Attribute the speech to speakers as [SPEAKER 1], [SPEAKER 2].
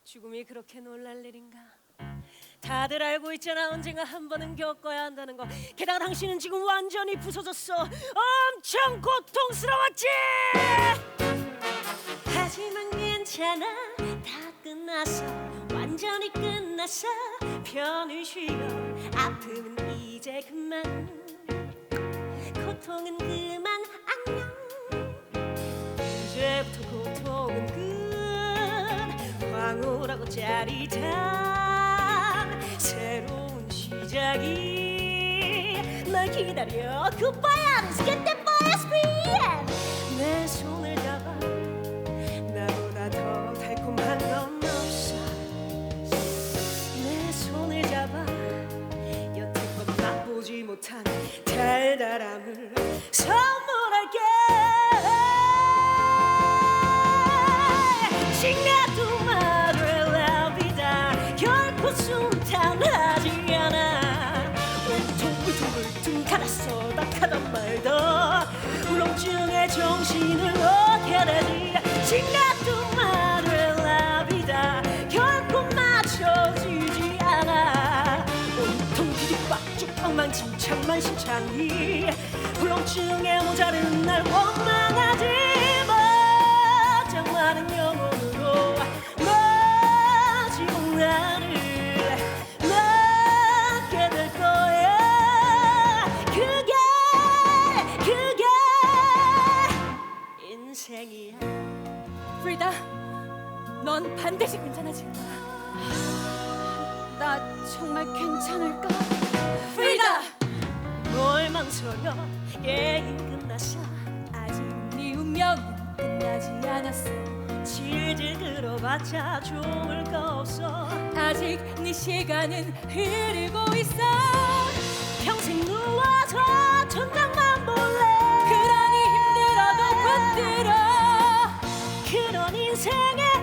[SPEAKER 1] 죽음이 그렇게 놀랄 일인가? 다들 알고 있잖아. 언젠가 한 번은 겪어야 한다는 거. 게다가 당신은 지금 완전히 부서졌어. 엄청 고통스러웠지. 하지만 괜찮아. 다 끝났어. 완전히 끝났어. 편히 쉬어. 아픔은 이제 그만. 고통은 그만 안녕. 이제부터 고통은 끝. 황홀하고 짜릿한 새로운 시작이 널 기다려. Goodbye, let's get that boy speed. 내 손을 잡아. 나보다 더 달콤한 건 없어. 내 손을 잡아. 여태껏 맛보지 못한 달달함을 선물할게. 시간도 말을 납니다. 결코 순탄하지 않아. 온통 울퉁불퉁 갈았어. 낙하단 말도 울렁증에 정신을 놓게 되지. 시간도 말을 납니다. 결코 맞춰지지 않아. 온통 뒤집박죽 엉망진창만 심창이 울렁증에 모자른 날 원망하지 마. 장많은 영혼으로 마지막 나를 맞게 될 거야. 그게 인생이야.
[SPEAKER 2] 프리다, 넌 반드시 괜찮아질 거야. 나 정말 괜찮을까? 프리다!
[SPEAKER 1] 뭘 망설여. 게임 끝났어.
[SPEAKER 2] 아직 네 운명은 끝나지 않았어.
[SPEAKER 1] 질질 끌어봤자 좋을 거 없어.
[SPEAKER 2] 아직 네 시간은 흐르고 있어.
[SPEAKER 1] 평생 누워서 천장만 볼래.
[SPEAKER 2] 그러니 힘들어도 붙들어.
[SPEAKER 1] 그런 인생에